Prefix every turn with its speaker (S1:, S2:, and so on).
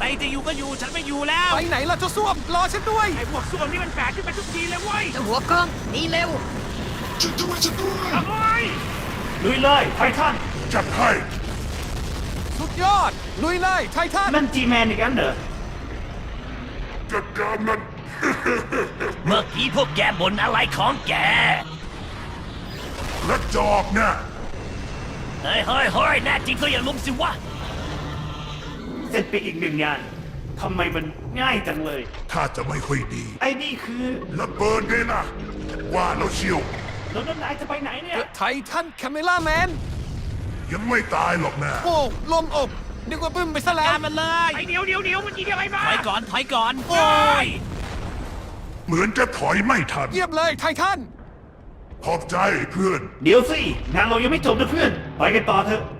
S1: จะอยู่ก็อยู่ฉันไม่อยู่แล้ว
S2: ไปไหนล่ะเจ้าส้วมรอฉันด้วย
S1: ไอ้พวกส้วมนี่มันแปลกขึ้นไปทุกทีเลยเว้ย
S3: เจ้าหัวกล้องหนีเร็ว
S4: ฉันด้วย
S1: โอ้ยลุยเลยไททัน
S4: จัดให้
S2: สุดยอด ลุยเลยไททัน
S1: นั่นจีแมนอีกแล้วเหรอ
S4: จัดการมัน
S1: เมื่อกี้พวกแกบ่นอะไรของแก
S4: และจอกนะ
S1: เฮ้ยแน่จริงก็อย่าลุมสิวะเสร็จไปอีกหนึ่งงานทำไมมันง่ายจังเลย
S4: ถ้าจะไม่ค่อยดี
S1: ไอ้นี่คือ
S4: ระเบิดเลยนะว่าแล้วเชียว
S1: แล้วนายจะไปไหนเนี่ย
S2: ไททันแคมเมล่าแมน
S4: ยังไม่ตายหรอกนะ
S2: โอ้ลมอบนึกว่าบึ้มไปซะแล้ว
S1: การมันเลยไอ้เดี๋ยวมันยิงอะไรมาถอยก่อนโอ้ย
S4: เหมือนจะถอยไม่ทัน
S2: เยี่ยมเลยไททัน
S4: ขอบใจเพื่อน
S1: เดี๋ยวสิงานเรายังไม่จบนะเพื่อนไปกันต่อเถอะ